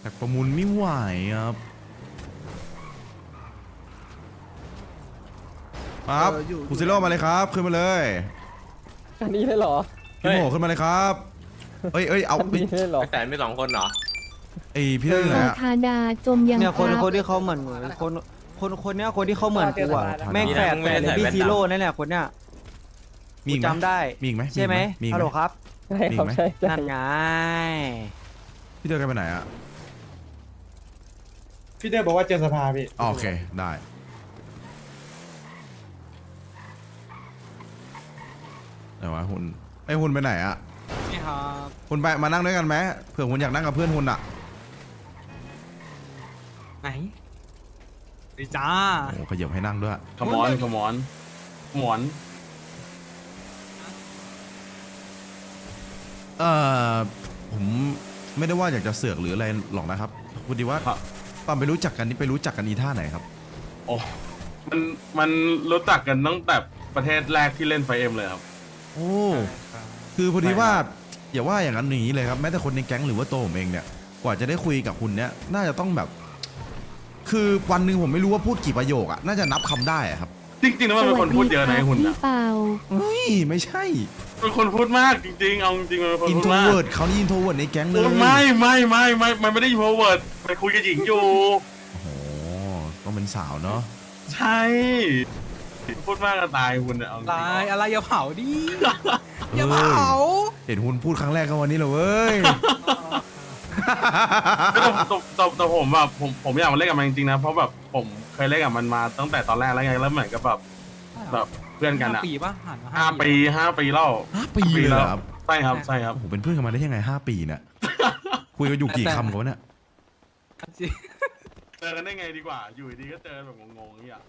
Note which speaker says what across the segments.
Speaker 1: กประมูลไม่ไหวครับครับคุณซิโร่มาเลยครับขึ้นมาเลย
Speaker 2: อันนี้เลยเหรอ
Speaker 1: พี่โมขึ้นมาเลยครับเอ้ยเอา
Speaker 2: อันนี้เลยเหรอ
Speaker 3: แสนมี2 คนเหรอ
Speaker 1: ไอพี่เต้ยอยู่ไหน
Speaker 4: อา
Speaker 1: อะ
Speaker 4: คาดาจมยัง
Speaker 5: เนี่ยคน
Speaker 4: ครับ
Speaker 5: ที่เขาเหมือนคนเนี้ยคนที่เขาเหมือนกูอ่ะแม่งแฝดเลยพี่ซีโร่นั่นแหละคนเนี้ย
Speaker 1: มีอีกไหม
Speaker 5: จำได้
Speaker 1: มีอีกไหม
Speaker 5: ใช่ไหม
Speaker 1: มีอีก
Speaker 5: ฮัล
Speaker 1: ไห
Speaker 5: โห
Speaker 1: ม
Speaker 5: ลครับ
Speaker 2: ใช่ครับ
Speaker 1: มีไหม
Speaker 2: ใช่ใช่
Speaker 5: นั่นไง
Speaker 1: พี่เต้ยกันไปไหนอะ
Speaker 6: พี่เต้บอกว่าเจอสภาพี่
Speaker 1: อ๋อโอเคได้ไหนวะหุ่นไอหุ่นไปไหนอะ
Speaker 5: นี่ครับ
Speaker 1: หุ่นไปมานั่งด้วยกันไหมเผื่อหุ่นอยากนั่งกับเพื่อนหุ่นอะ
Speaker 5: ไหนดีจ้า
Speaker 1: โอ้ขยับให้นั่งด้วย
Speaker 3: ขมอนขมอนขมอน
Speaker 1: ผมไม่ได้ว่าอยากจะเสือกหรืออะไรหรอกนะครับพอดีว่าตอนไปรู้จักกันนี่ไปรู้จักกันอีท่าไหนครับ
Speaker 3: โอ้มันรู้จักกันตั้งแต่ประเทศแรกที่เล่นไฟเอ็มเลยครับ
Speaker 1: โอ้คือพอดีว่าอย่าว่าอย่างนั้นอย่างนี้เลยครับแม้แต่คนในแก๊งหรือว่าตัวผมเองเนี่ยกว่าจะได้คุยกับคุณเนี่ยน่าจะต้องแบบ คือวันหนึ่งผมไม่รู้ว่าพูดกี่ประโยคอะน่าจะนับคำได้อะครับ
Speaker 3: จริงๆแล้วมันเป็นคนพูดเยอะนะไอ้หุ่น
Speaker 4: พี่
Speaker 3: อะ
Speaker 4: เปา
Speaker 1: เฮ้ยไม่ใช่
Speaker 3: เป็นคนพูดมากจริงๆเอาจริงๆมันเป็นคน
Speaker 1: อิน
Speaker 3: พู
Speaker 1: โท
Speaker 3: ด
Speaker 1: ร
Speaker 3: มาก
Speaker 1: เวิร์ดเขานี่อินโทรเวิร์ดในแก๊งเลย
Speaker 3: ไม่มันไม่ได้ยูโรเวิร์ดไปคุยกับหญิงอยู่
Speaker 1: โอ้โหต้องเป็นสาวเนาะ
Speaker 3: ใช่พูดมากก็ตายคุณอะเอาจริง
Speaker 5: ลายอะไรอย่าเผาดิ
Speaker 1: อย่าเผาเห็นหุ่นพูดครั้งแรกก็วันนี้เลยเว้ย
Speaker 3: แต่ผมแบบผมอยากมาเล่นกับมันจริงๆนะเพราะแบบผมเคยเล่นกับมันมาตั้งแต่ตอนแรกแล้วไงแล้วเหมือนกับแบบเพื่อนกันอะ
Speaker 5: ปีป่ะหันมา
Speaker 3: 5 ปีแล้ว
Speaker 1: 5 ปีเลยเหรอครับ
Speaker 3: ใช่ครับ
Speaker 1: โอ้โหเป็นเพื่อนกันมาได้ยังไง5 ปีเนี่ยคุยกันอยู่กี่คำกันวะเนี่ย
Speaker 3: เจอกันได้ไงดีกว่า อยู่ดีก็เจอแบบงงๆอย่างเงี้ย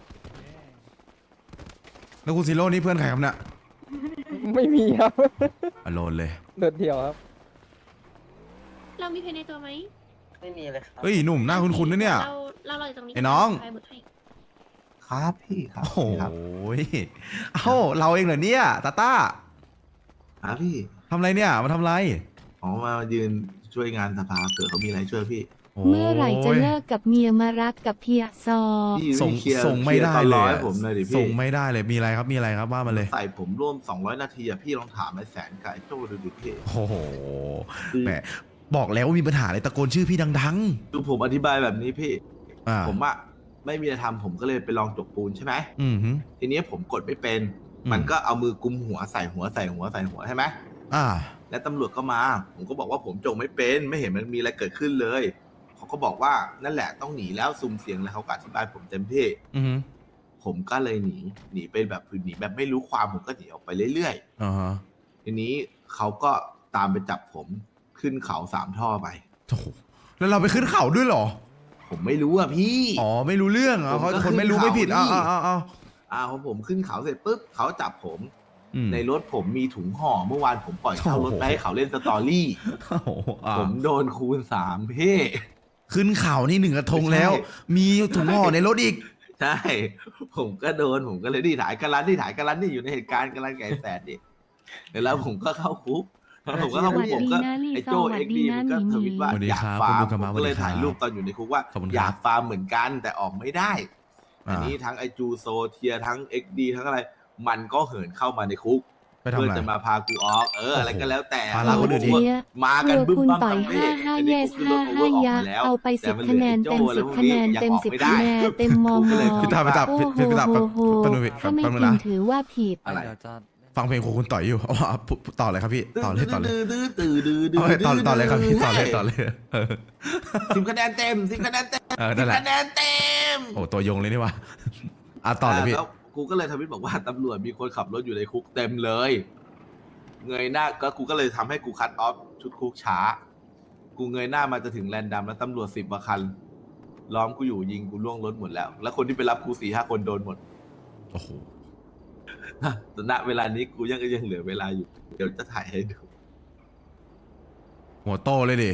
Speaker 1: แล้วคุณซิโร่นี่เพื่อนใครครับเนี่ย
Speaker 2: ไม่มีครับ
Speaker 1: อโลนเลย
Speaker 2: โดดเดี่ยวครับ
Speaker 7: เรามีเพลงในตัวไหม
Speaker 5: ไม่มีเลยครับ
Speaker 1: เฮ้ยหนุ่มหน้าคุ้นๆนะเนี่ย
Speaker 7: เราอยู่ตรงนี้
Speaker 1: ไอ้น้อง
Speaker 7: ไปหมดให้
Speaker 8: ครับพี่ครับ
Speaker 1: โอ้โห
Speaker 8: ครับ
Speaker 1: เอ้าเราเองเหรอเนี่ยตาต้า
Speaker 8: ครับพี่
Speaker 1: ทำอะไรเนี่ยมาทำอะไร
Speaker 8: อ๋อมายืนช่วยงานสภาเผื่อเขามีอะไรช่วยพี่
Speaker 4: เมื่อไหร่จะเลิกกับเมียมารักกับเพียซอ
Speaker 8: พี่
Speaker 1: ส่ง
Speaker 8: เคลียร์
Speaker 1: ส่งไม่ได้
Speaker 8: คร์ตอน
Speaker 1: เล
Speaker 8: ร้อย ผมเลยดิพี่
Speaker 1: ส่งไม่ได้เลยมีอะไรครับมีอะไรครับว่ามาเลย
Speaker 8: ใส่ผมร่วม200 นาทีอะพี่ลองถามไอ้แสนกับไอ้โจ้ดูดิพี่
Speaker 1: โอ้โหแหมบอกแล้วว่ามีปัญหาอะไรตะโกนชื่อพี่ดัง
Speaker 8: ดูผมอธิบายแบบนี้พี่
Speaker 1: ๆอ่า
Speaker 8: ผมอะไม่มีอะไรทำผมก็เลยไปลองจกปูนใช่ไหม
Speaker 1: อืมฮึ
Speaker 8: ทีนี้ผมกดไม่เป็น
Speaker 1: อืม
Speaker 8: มันก็เอามือกุมหัวใส่หัวใส่หัวใส่หัวใช่ไหม
Speaker 1: อ่า
Speaker 8: และตำรวจก็มา ผมก็บอกว่าผมจกไม่เป็นไม่เห็นมันมีอะไรเกิดขึ้นเลยเขาก็บอกว่านั่นแหละต้องหนีแล้วซุ่มเสียงแล้วเขาก็อธิบายผมเต็มที่
Speaker 1: อืมฮึ
Speaker 8: ผมก็เลยหนีไปแบบหนีแบบไม่รู้ความผมก็หนีออกไปเรื่อย
Speaker 1: อ่าฮะ
Speaker 8: ๆทีนี้เขาก็ตามไปจับผมขึ้นเขา3 ท่อไป
Speaker 1: โอ้โหแล้วเราไปขึ้นเขาด้วยเหรอ
Speaker 8: ผมไม่รู้อ่ะพี่
Speaker 1: อ๋อไม่รู้เรื่องอ่ะ
Speaker 8: ผม
Speaker 1: เขา
Speaker 8: ก็
Speaker 1: คนไม่รู้
Speaker 8: ขึ้
Speaker 1: ไม่
Speaker 8: นเขา
Speaker 1: ผิด
Speaker 8: นี่
Speaker 1: อ้าว
Speaker 8: พอผมขึ้นเขาเสร็จปุ๊บเขาจับผม
Speaker 1: อืม
Speaker 8: ในรถผมมีถุงห่อเมื่อวานผมปล่อยเช่ารถ
Speaker 1: โอ้โห
Speaker 8: ไปให้เขาเล่นสตอรี่
Speaker 1: โอ้โหอ่า
Speaker 8: ผมโดนคูณ3พี่
Speaker 1: ขึ้นเขานี่1 กระทงแล้ว
Speaker 8: ใช่
Speaker 1: มีถุงห่อในรถอีก
Speaker 8: ใช่ ผมก็โดนผมก็เลยที่ถ่ายกันรันนี่อยู่ในเหตุการณ์กันรันไก่แสดดิแล้วผมก็เข้าคุกแล้วผมก็เข้าคุกผมก็ไอ้โจ้เอ็กดีมันก็ทวิตว่า
Speaker 1: สวัสดี
Speaker 8: อยาก
Speaker 1: ครับ
Speaker 8: ฟาร์ม
Speaker 1: คุณดูก
Speaker 8: ผ
Speaker 1: ระ
Speaker 8: ม
Speaker 1: มา
Speaker 8: ก็เลย
Speaker 1: สวัสดีครับ
Speaker 8: ถ่ายรูปตอนอยู่ในคุกว่า
Speaker 1: ขอบคุณครับ
Speaker 8: อยากฟาร์มเหมือนกันแต่ออกไม่ได้ อันนี้ทั้งไอจูโซเทียทั้งเอ็กดีทั้งอะไร มันก็เหินเข้ามาในคุก
Speaker 1: ไปทำ
Speaker 8: เพื่อ
Speaker 1: อะไร
Speaker 8: จะมาพากูออกอะไรก็แล้วแต่
Speaker 1: ภาระคนอื่นอีก
Speaker 8: มากันบึ้ม
Speaker 4: คุณ
Speaker 8: บั้ม
Speaker 4: ต่อย
Speaker 8: ทั้งเพศ
Speaker 4: 5
Speaker 8: อัน
Speaker 4: เย
Speaker 8: นี้
Speaker 4: ส
Speaker 8: กูขึ้นรถโอเวอร์ออก
Speaker 4: 5 ยั
Speaker 8: มาแล้ว
Speaker 4: เอาไป
Speaker 8: แต่
Speaker 4: 10
Speaker 8: มัน
Speaker 4: คะแนน
Speaker 8: หลื
Speaker 4: เต็
Speaker 8: อ
Speaker 4: ม
Speaker 8: ไอ้โจ้
Speaker 4: 10 คะแนนเต็ม 10 คะแนนเต็มมอง
Speaker 1: พี่ตาไปจับ
Speaker 4: โอ้
Speaker 1: พี่ตา
Speaker 4: โห
Speaker 1: แป๊บนึงพี่
Speaker 4: ถ้าไม่
Speaker 1: แป๊บนึง
Speaker 4: กิน
Speaker 1: นะ
Speaker 4: ถือว่าผิด
Speaker 8: อะไร
Speaker 1: ฟังเพลงของคุณต่อยอยู่อ๋อต่อเลยครับพี่ต่อเลย
Speaker 8: ตื้อ
Speaker 1: เอาเลยต่อเลยครับพี่ต่อเลยเออ
Speaker 8: 10 คะแนนเต็ม10 คะแนนเต็ม
Speaker 1: เออนั่นแหละ
Speaker 8: 10 คะแนนเต็ม
Speaker 1: โอ้ตัวยงเลยนี่วะอ่ะต่อเลยพี่
Speaker 8: แล้วกูก็เลยทวิตบอกว่าตำรวจมีคนขับรถอยู่ในคุกเต็มเลย เงยหน้าก็กูก็เลยทำให้กูคัดออฟชุดคุกช้า กูเงยหน้ามาจะถึงแลนดัมแล้วตำรวจ10 กว่าคัน ล้อมกูอยู่ยิงกูล่วงรถหมดแล้ว แล้วคนที่ไปรับกู4-5 คนโดนหมด
Speaker 1: โอ้โห
Speaker 8: แต่ณเวลานี้กูยังเหลือเวลาอยู่ เดี๋ยวจะถ่ายให้ดู
Speaker 1: หัวโตเลยดิ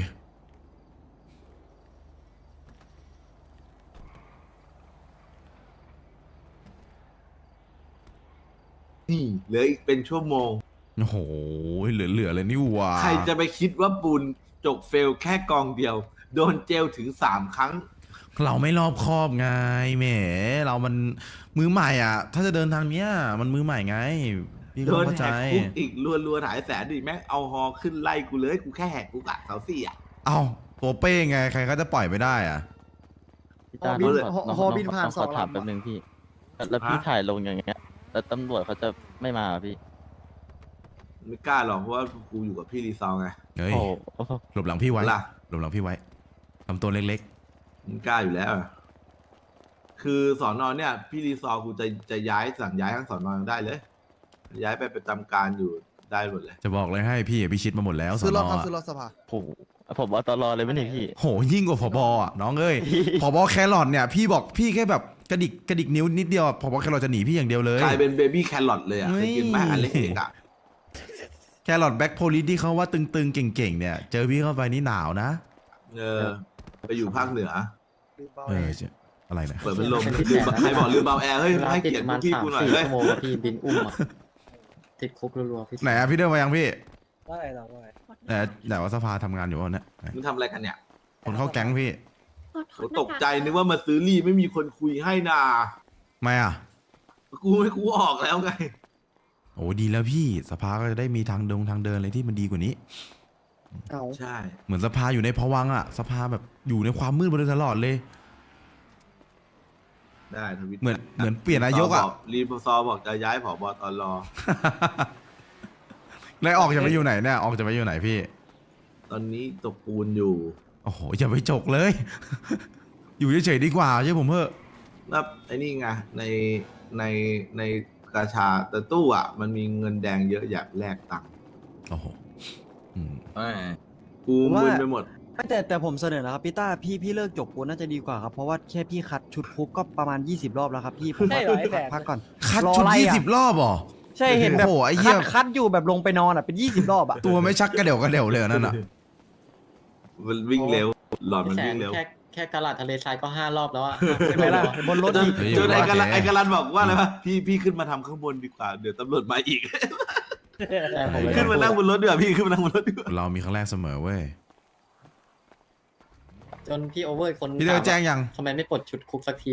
Speaker 8: นี่เหลืออีกเป็นชั่วโมง
Speaker 1: โอ้โหเหลือเลยนี่หว่า
Speaker 8: ใครจะไปคิดว่าปูนจกเฟลแค่กองเดียวโดนเจลถึง3 ครั้ง
Speaker 1: เราไม่รอบคอบไงแหมเรามันมือใหม่อ่ะ ถ้าจะเดินทางเนี้ยมันมือใหม่ไงพี่
Speaker 8: โด
Speaker 1: ก็
Speaker 8: น
Speaker 1: เข้า
Speaker 8: แห
Speaker 1: ใจ
Speaker 8: กคุกอีกรัวๆหลายแสนดิแม่งเอาฮอขึ้นไล่กูเลยกูแค่แหกคุกอะเสาสี่อะ
Speaker 1: เอ้าตัวเป้ไงใครเขาจะปล่อยไม่ได้อ่ะ
Speaker 6: พี่ตา
Speaker 2: ฮอบินผ่านสอง
Speaker 6: ถาม
Speaker 2: ลำ
Speaker 6: แป๊บนึงพี่ แล้วพี่ถ่ายลงอย่างเงี้ย แล้วตำรวจเขาจะไม่มาเหรอพี่
Speaker 8: ไม่กล้าหรอกเพราะว่ากูอยู่กับพี่รีซอลไง
Speaker 1: เฮ้ย
Speaker 6: โอ้โห
Speaker 1: หลบหลังพี่ไว้
Speaker 8: ล่ะ
Speaker 1: หลบหลังพี่ไว้ทำตัวเล็ก
Speaker 8: มึงกล้าอยู่แล้วอะคือสอนอเนี่ย พี่รีซอลกูจะย้ายสั่งย้ายทั้งสอนอได้เลย ย้ายไปประจำการอยู่ได้หมดเลย
Speaker 1: ๆ จะบอกเลยให้พี่พิชิตมาหมดแล้วส
Speaker 2: ซื้อ
Speaker 1: น
Speaker 2: รถครับ
Speaker 1: อะ
Speaker 2: ซื้อรถสภา
Speaker 6: โหผมว่าตลอดเลยไม่ใช่พี่
Speaker 1: โหยิ่งกว่าผบอ่ะน้องเอ้ย ผบแครอทเนี่ยพี่บอกพี่แค่แบบกระดิกนิ้วนิดเดียวผบแครอทจะหนีพี่อย่างเดียวเลย
Speaker 8: กลายเป็นเบบี้แครอทเลยอ่ะเคยกินไหมอันเล็กๆอ่ะ
Speaker 1: แครอทแบ็คโพลิสที่เขาว่าตึงๆเก่งๆเนี่ยเจอพี่เข้าไปนี่หนาวนะ
Speaker 8: ไปอยู่ภาคเหนือ
Speaker 1: เอออะไรนะ
Speaker 8: เปิดพัดลม
Speaker 6: เป็นที่
Speaker 8: ลืม
Speaker 6: แปดนะ
Speaker 8: ใครบอกลืมเบาแอร์เฮ้ยให้
Speaker 6: ติด
Speaker 8: เกียรติ
Speaker 6: ประมาณ
Speaker 8: พี่กูหน่อย
Speaker 6: 3-4
Speaker 8: เฮ้ย
Speaker 6: ชั่วโมงอะพี่บินอุ้มอะติดคุกรัวๆพี่
Speaker 1: ไหนอะพี่เดินมายังพี่
Speaker 2: ว่าอะไรเราว่าอะไร
Speaker 1: แต่ว่าสภาทำงานอยู่วะเนี่ยไหน
Speaker 8: มึงทำอะไรกันเนี่ย
Speaker 1: คนเข้าแก๊งพี่
Speaker 8: โหตกใจนึกว่ามาซื้อรี่ไม่มีคนคุยให้นา
Speaker 1: ไม่อะ
Speaker 8: กูออกแล้วไง
Speaker 1: โอ้ดีแล้วพี่สภาก็จะได้มีทางเดินอะไรที่มันดีกว่านี้
Speaker 2: เอา
Speaker 8: ใช่
Speaker 1: เหมือนสภาอยู่ในภวังค์อะสภาแบบอยู่ในความมืดมาโดยตลอดเลย
Speaker 8: ได้ทวิต
Speaker 1: เหมือนเปลี่ยนนายกอะ
Speaker 8: รีพซอบอกจะย้ายผบตร
Speaker 1: แล้วออกจะไปอยู่ไหนเนี่ยออกจะไปอยู่ไหนพี่
Speaker 8: ตอนนี้ตกปูนอยู่
Speaker 1: โอ้โหอย่าไปจกเลย อยู่เฉยๆดีกว่าใช่ผมเพ่อ
Speaker 8: แล้วไอ้นี่ไงในกาชาแต่ตู้อ่ะ มันมีเงินแดงเยอะอยากแลกตังค์
Speaker 1: โอ้โหอืม
Speaker 8: กูมึนไปหมด
Speaker 5: แต่ผมเสนอนะครับพี่ต้าพี่เลิกจบปูนน่าจะดีกว่าครับเพราะว่าแค่พี่คัดชุดคุกก็ประมาณ20 รอบแล้วครับพี่ผม
Speaker 2: ได้เหรอไอ้แสน
Speaker 5: พักก่อน
Speaker 1: คัด
Speaker 5: รอ
Speaker 1: ชุด
Speaker 5: อะไรอะ
Speaker 1: 20 รอบเหรอ
Speaker 5: ใช่เห็นแบบ
Speaker 1: โอ้โหไอ้เหี้ย
Speaker 5: คัดอยู่แบบลงไปนอนอ่ะเป็น20 รอบอ่ะ
Speaker 1: ตัวไม่ชักกระเดี่ยวเลยนั่นอ่ะ
Speaker 8: มันวิ่งเร็ว หลอดมันวิ่งเร็ว
Speaker 6: แค่กระลาดทะเลทรายก็ 5 รอบแล้วอะ
Speaker 5: ใช่ไหมล่ะบนรถ
Speaker 8: จน
Speaker 5: อีก
Speaker 1: เฮ้ย
Speaker 8: จนไอ้
Speaker 1: ว่า
Speaker 8: กาลัน
Speaker 1: แก
Speaker 8: ไอ้กาลันบอกว่าอะไรวะพี่ขึ้นมาทำข้างบนดีกว่าเดี๋ยวตำรวจมาอีก ขึ้นมานั่งบนรถดีกว่าพี่ขึ้นมานั่งบนรถดีกว่า
Speaker 1: เรามีครั้งแรกเสมอเว้ย
Speaker 6: จนพี่โอเวอร์คน
Speaker 1: พี่เดินแจ้งยัง
Speaker 6: ทำไมไม่ปลดชุดคุกสักที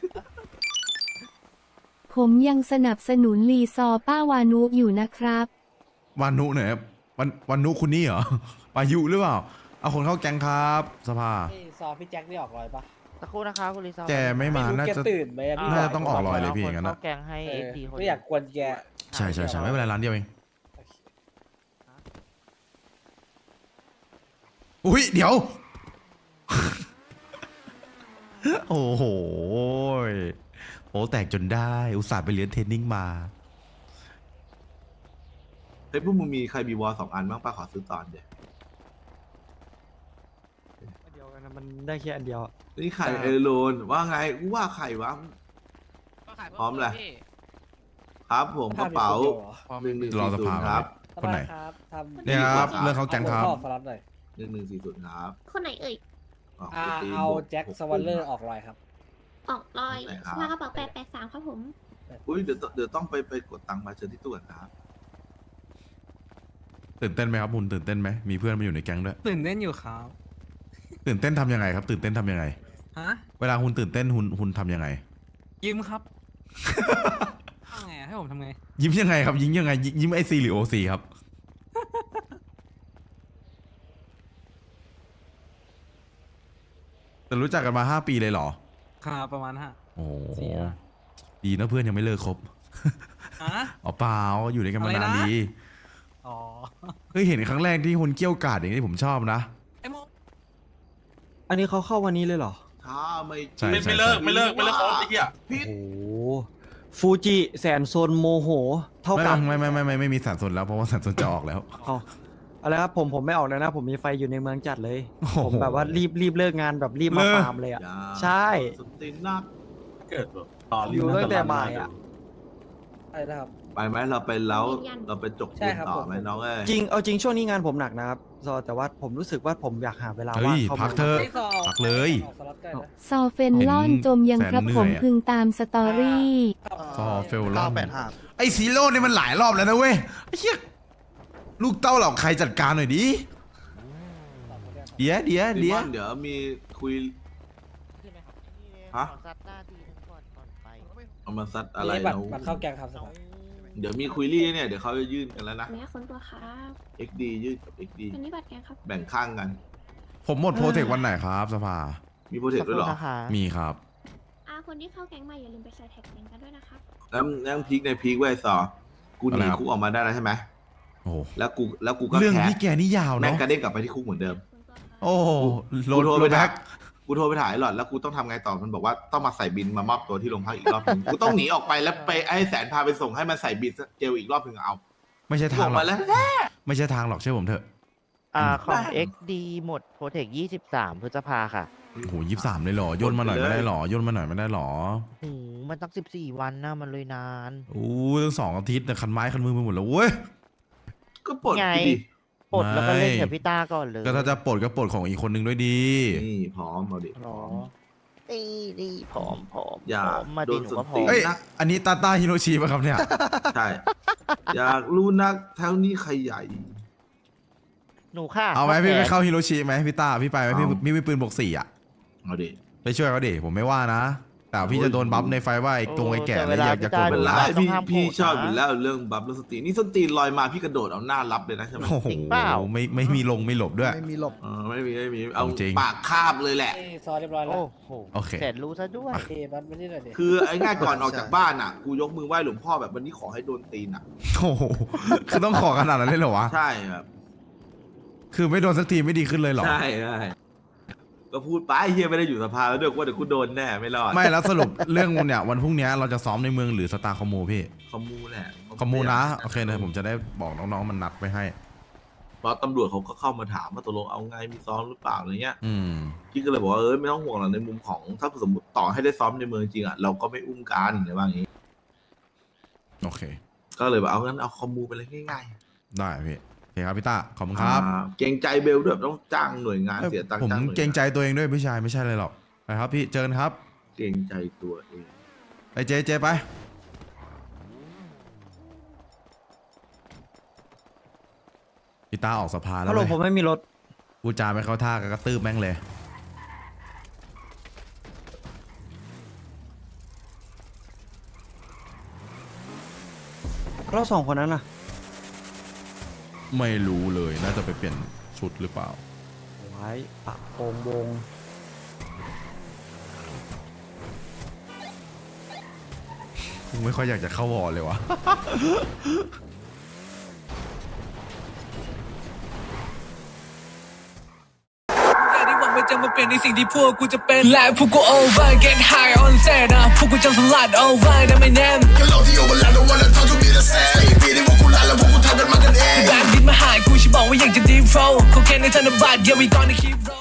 Speaker 4: ผมยังสนับสนุนรีซอร์ป้าวานุอยู่นะครับ
Speaker 1: วานุไหนครับวันนุคุณนี่เหรอ ปายุหรือเปล่า เอาคนเข้าแก๊งครับ สภา
Speaker 2: นี่ซอพี่แจ็คได้ออกรอยปะ
Speaker 9: สักครู่นะคะคุณลิซ่า
Speaker 1: แกไม่มา
Speaker 2: รู้
Speaker 1: น่า
Speaker 2: แก
Speaker 1: จะ
Speaker 2: ตื่นไหมอะพี่
Speaker 1: น่าจะต้องออกรอยเลยพี่อย่างนั้น
Speaker 9: เข้า
Speaker 1: อะ
Speaker 9: แกงให้
Speaker 2: เอ
Speaker 9: เอ
Speaker 2: อ
Speaker 9: ทีคน
Speaker 2: ไม่อยากกวนแก
Speaker 1: ใช่ไม่เป็นไรร้านเดียวเอง อุ้ยเดี๋ยว โอ้โหโอ้แตกจนได้ อุตส่าห์ไปเรียนเทรนนิ่งมา
Speaker 8: เฮ้ยพวกมึงมีใครมีวอล2 อันบ้างป้าขอซื้อตอนเดียว
Speaker 5: เดียวกันนะมันได้แค่อันเดียวอะ
Speaker 8: นี่ไข่เอโลนว่าไงกูว่าไข่วะ พร้อมเลย ครับผมกระเป๋า
Speaker 1: รอสภา
Speaker 8: 1140ครับ
Speaker 1: คนไหน
Speaker 2: ครับทำ
Speaker 1: เนี่ยครับเรื่องเขาแก๊งครับ
Speaker 2: ขอสลับหน่อย
Speaker 8: 1140ครับ
Speaker 7: คนไหนเอ่ย
Speaker 8: อ๋อ
Speaker 2: เอาแจ็คสวอลเลอร์ออกรอยครับ
Speaker 7: ออกรอย
Speaker 8: ไหนครับ
Speaker 7: สภากระเป๋า883ครับผม
Speaker 8: อุ้ยเดี๋ยวต้องไปกดตังค์มาเชิญที่ตู้ก่อนครับ
Speaker 1: ตื่นเต้นไหมครับคุณตื่นเต้นไหมมีเพื่อนมาอยู่ในแก๊งด้วย
Speaker 10: ตื่นเต้นอยู่ครับ
Speaker 1: ตื่นเต้นทำยังไงครับ ตื่นเต้นทำยังไง
Speaker 10: ฮะ
Speaker 1: เวลาคุณตื่นเต้นคุณทำยังไง
Speaker 10: ยิ้มครับ ทำไงอะให้ผมทำไง
Speaker 1: ยิ้มยังไงครับ ยิ้มยังไง ยิ้มไอซีหรือโอซีครับ แต่รู้จักกันมา5 ปีเลยเหรอ
Speaker 10: ครับประมาณฮะ
Speaker 1: โอ้โห
Speaker 10: สี่ห้า
Speaker 1: ดีนะเพื่อนยังไม่เลิกคบ
Speaker 10: ฮะ
Speaker 1: อ๋อเปล่าอยู่ด้วยกันมา
Speaker 10: อะไร
Speaker 1: นาน
Speaker 10: นะ
Speaker 1: ดี
Speaker 10: อ๋อ
Speaker 1: เฮ้ยเห็นครั้งแรกที่คุณเกี้ยวกาดอย่างนี้ผมชอบนะ
Speaker 10: ไอ้โม
Speaker 5: อันนี้เขาเข้าวันนี้เลยเหรอ
Speaker 8: ถ้าไม่
Speaker 1: ใช่
Speaker 3: ไม่เลิกครบไอ้เหี้ย
Speaker 8: พิษ
Speaker 5: โอ้โหฟูจิแสนโซนโมโห เท่ากัน
Speaker 1: ไม่มีสันสนแล้วเพราะว่าสันสนจะออกแล้ว
Speaker 5: เอาอะไรครับผมไม่ออกแล้วนะ ผมมีไฟอยู่ในเมืองจัดเลย
Speaker 1: โอ้โห
Speaker 5: ผมแบบว่ารีบเลิกงานแบบรีบมา
Speaker 1: เลิก
Speaker 5: ฟาร์มเลยอ่ะ
Speaker 8: อย่า
Speaker 5: ใช่
Speaker 8: สตินัก
Speaker 3: เกิดแบบตอน
Speaker 5: อยู่ตั้งแต่บ่ายอะ
Speaker 2: อะไรนะครับ
Speaker 8: ไปไหมเราไปแล้วเราไปจก
Speaker 2: ใช่
Speaker 8: ปูน
Speaker 2: ครับ
Speaker 8: ต่อ
Speaker 2: ผม
Speaker 8: ไหมน้องเอ้ย
Speaker 5: จริงช่วงนี้งานผมหนักนะครับซอแต่ว่าผมรู้สึกว่าผมอยากหาเวลา
Speaker 1: เฮ้
Speaker 5: ว่าง
Speaker 1: ย
Speaker 5: เข้า
Speaker 1: พั
Speaker 5: มาก
Speaker 1: เถอะ
Speaker 2: ไม่ซอ
Speaker 1: พักเลย
Speaker 2: ออกสลับกันนะ
Speaker 4: ซอเฟนลอนจมยังครับ
Speaker 1: แสนเหนื่
Speaker 4: ผ
Speaker 1: อย
Speaker 4: ม
Speaker 1: อะ
Speaker 4: พึงตามสตอรี่
Speaker 1: ซอเฟลลอนไอซีโร่เนี่ยมันหลายรอบแล้วนะเว้ยไอ้เหี้ยลูกเต้าเหล่าใครจัดการหน่อยดิเดี๋ยวเดี๋ยว
Speaker 8: ซี
Speaker 1: เดี๋
Speaker 8: ม
Speaker 1: ยว
Speaker 8: อนเดี๋ยวมีคุย ฮะ เอามาซัดอะไร
Speaker 2: นี่บัต
Speaker 8: เรา
Speaker 2: รบัตรเข้าแกงครับสภา
Speaker 8: เดี๋ยวมีคุยรี่เนี่ยเดี๋ยวเขาจะยื่นกันแล้วนะ
Speaker 7: แม่คนตัวครับ
Speaker 8: XD ยื่นกับ XD
Speaker 7: อันนี้บัตรแกงครับ
Speaker 8: แบ่งข้างกัน
Speaker 1: ผมหมดโปรเทควันไหนครับสภา
Speaker 8: มีโปรเทคด้วยเหรอ
Speaker 1: มีครับ
Speaker 7: คนที่เข้าแก๊งใหม่อย่าลืมไปใส่แท็กแก๊งกันด้วยนะครับ
Speaker 8: แล้วพีคในพีคไว้ซอกูหนีคุกออกมาได้แล้วใช่ไหม
Speaker 1: โอ้โห
Speaker 8: แล้วกูก็
Speaker 1: เรื่อง
Speaker 8: แค
Speaker 1: พี่แกนี่ยาว
Speaker 8: แม่ง
Speaker 1: เนาะ
Speaker 8: กระเด้งกลับไปที่คุกเหมือนเดิม
Speaker 7: คนตัวครับ
Speaker 1: โอ้โหโหล
Speaker 8: กู
Speaker 1: ด
Speaker 8: โทร
Speaker 1: โหล
Speaker 8: ไป
Speaker 1: ดแบ็
Speaker 8: ถ่าย
Speaker 1: ค
Speaker 8: กูโทรไปถ่ายหลอดแล้วกูต้องทำไงต่อมันบอกว่าต้องมาใส่บินมามอบตัวที่โรงพักอีกรอบนึงกูต้องหนีออกไปแล้วไปให้แสนพาไปส่งให้มันใส่บินเจลอีกรอบนึงเอา
Speaker 1: ไม่ใช่
Speaker 8: กู
Speaker 1: ทา
Speaker 8: อง อก
Speaker 1: หรอ
Speaker 8: มาก แล้ว
Speaker 1: ไม่ใช่ทางหรอกเชื่อผมเถอะ
Speaker 6: ของ XD หมดโปรเทค23 พฤษภาค่ะ
Speaker 1: โอ้โห23เลยเหรอ ย่นมาหน่อยไม่ได้หรอ ย่นมาหน่อยไม่ได้หรอ
Speaker 6: โอ้มันตั้ง14 วันนะมันเลยนาน
Speaker 1: โอ้ยตั้ง2 อาทิตย์แต่คันไม้คันมือไปหมดแล้วเว้ย
Speaker 8: ก็ปลด
Speaker 6: ไง
Speaker 8: กูดิ
Speaker 6: ปลดแล้วก็เล่น
Speaker 1: ไม่
Speaker 6: กับพี่ต้าก่อนเลย
Speaker 1: ก็ถ้าจะปลดก็ปลดของอีกคนนึงด้วยดี
Speaker 8: นี่พร้อมเอาดิพ
Speaker 6: หร
Speaker 8: ร้
Speaker 6: อ
Speaker 8: อม
Speaker 6: นี่ผอม
Speaker 8: อย่า
Speaker 6: ผอมมา
Speaker 8: โด
Speaker 6: ดี
Speaker 8: น
Speaker 6: หนู
Speaker 8: ส้น
Speaker 6: ก็ผ
Speaker 8: ตี
Speaker 6: อน ม
Speaker 1: เอ้ย อันนี้ตาตาฮิโรชิป่ะครับเนี่ย
Speaker 8: ใช่ อยากรู้นักแถวนี้ใครใหญ่
Speaker 6: หนูค่ะ
Speaker 1: เอาไหม
Speaker 6: พ่
Speaker 1: พี่
Speaker 6: แก่
Speaker 1: ไปเข้าฮิโรชิไหมพี่ตาพี่ไปไหมพี่
Speaker 8: เอา
Speaker 1: มีปืนบวก4อ่ะ
Speaker 8: เอาดิ
Speaker 1: ไปช่วยเขาดิผมไม่ว่านะ แต่พี่จะโดนบัฟในไฟว่าไอ้ตรงไอ้แก่
Speaker 6: แต่
Speaker 1: เลยอยากจะกด
Speaker 8: เป็นไร
Speaker 6: วลาต้อง
Speaker 8: พี่
Speaker 6: ห้าม
Speaker 8: พี่
Speaker 6: โกรธ
Speaker 8: ชอบ
Speaker 6: นะ
Speaker 8: อยู่แล้วเรื่องบัฟแล้วสตรีนนี่สตรีนลอยมาพี่กระโดดเอาหน้ารับเลยนะใช่ไหม
Speaker 1: โอ้โห
Speaker 6: จริงเปล่า
Speaker 1: ไม่มีลงไม่หลบด้วย
Speaker 5: ไม่มีหลบ
Speaker 8: ไม่มีเอา
Speaker 1: จริง
Speaker 8: ปากคาบเลยแหละ
Speaker 2: นี่ซอเรียบร้อยแล้ว
Speaker 6: โอ้โห
Speaker 1: โอเค
Speaker 6: แสนรู้ซะด้วย
Speaker 2: เอ้บัตรไม่ได้หน่อยดิ
Speaker 8: คือไอ้ง่ายก่อนออกจากบ้านอ่ะ กูยกมือไหว้หลวงพ่อแบบวันนี้ขอให้โดนตีนอ่ะ
Speaker 1: โอ้โหคือต้องขอขนาดนั้นเลยเหรอวะ
Speaker 8: ใช่ครับ
Speaker 1: คือไม่โดนสักทีไม่ดีขึ้นเลยเหรอ
Speaker 8: ใช่ก็พูดไปเฮียไม่ได้อยู่สภาแล้วด้วยว่าเดี๋ยวกูโดนแน่ไม่รอด
Speaker 1: ไม่แล้วสรุปเรื่องเนี่ยวันพรุ่งนี้เราจะซ้อมในเมืองหรือสตาร์คอมมูพี่
Speaker 8: คอมมูแหละ
Speaker 1: คอมมูนะโอเคนะผมจะได้บอกน้องๆมันนัดไปให้
Speaker 8: เพราะตำรวจเขาก็เข้ามาถามว่าตกลงเอาไงมีซ้อมหรือเปล่าอะไรเงี้ย
Speaker 1: อืม
Speaker 8: พี่ก็เลยบอกว่าไม่ต้องห่วงหรอกในมุมของถ้าสมมติต่อให้ได้ซ้อมในเมืองจริงอ่ะเราก็ไม่อุ้มกันอะไรว่าอย่างงี้
Speaker 1: โอเค
Speaker 8: ก็เลยแบบเอางั้นเอาคอมมูไปเลยง่าย
Speaker 1: ได้พี่โอเคครับพี่ต้าขอบคุณ
Speaker 8: ๆ
Speaker 1: ครับ
Speaker 8: เกรงใจเบลด้วยต้องจ้างหน่วยงานเสียตังค์
Speaker 1: ผม
Speaker 8: จ้างหน่วยาน
Speaker 1: เกรงใจตัวเองด้วยพี่ชายไม่ใช่เลยหรอกไปครับพี่เจอกันครับ
Speaker 8: เกรงใจตัวเอง
Speaker 1: ไปเจไปพี่ต้าออกสภาแล้
Speaker 5: ฮั
Speaker 1: ว
Speaker 5: ลโหล
Speaker 1: เว้ย
Speaker 5: ผมไม่มีรถ
Speaker 1: กูจาไม่เข้าท่าก็กระตืบแม่งเลย
Speaker 5: เราสองคนนั้นน่ะ
Speaker 1: ไม่รู้เลยน่าจะไปเปลี่ยนชุดหรือเปล่า
Speaker 5: ไว้ปะโปงวง
Speaker 1: กูไม่ค่อยอยากจะเข้าวอลเลยวะ
Speaker 10: อย่าได้หวังว่าจะมาเปลี่ยนในสิ่งที่พวกกูจะเป็นและพวกกู over get high on set นะพวกกูจะสลัด over นะไม่แน่แบงค์ดินมาหากูฉันบอกว่าอยากจะ deep flow เขาแค่ในธนบัตร yeah we gonna keep roll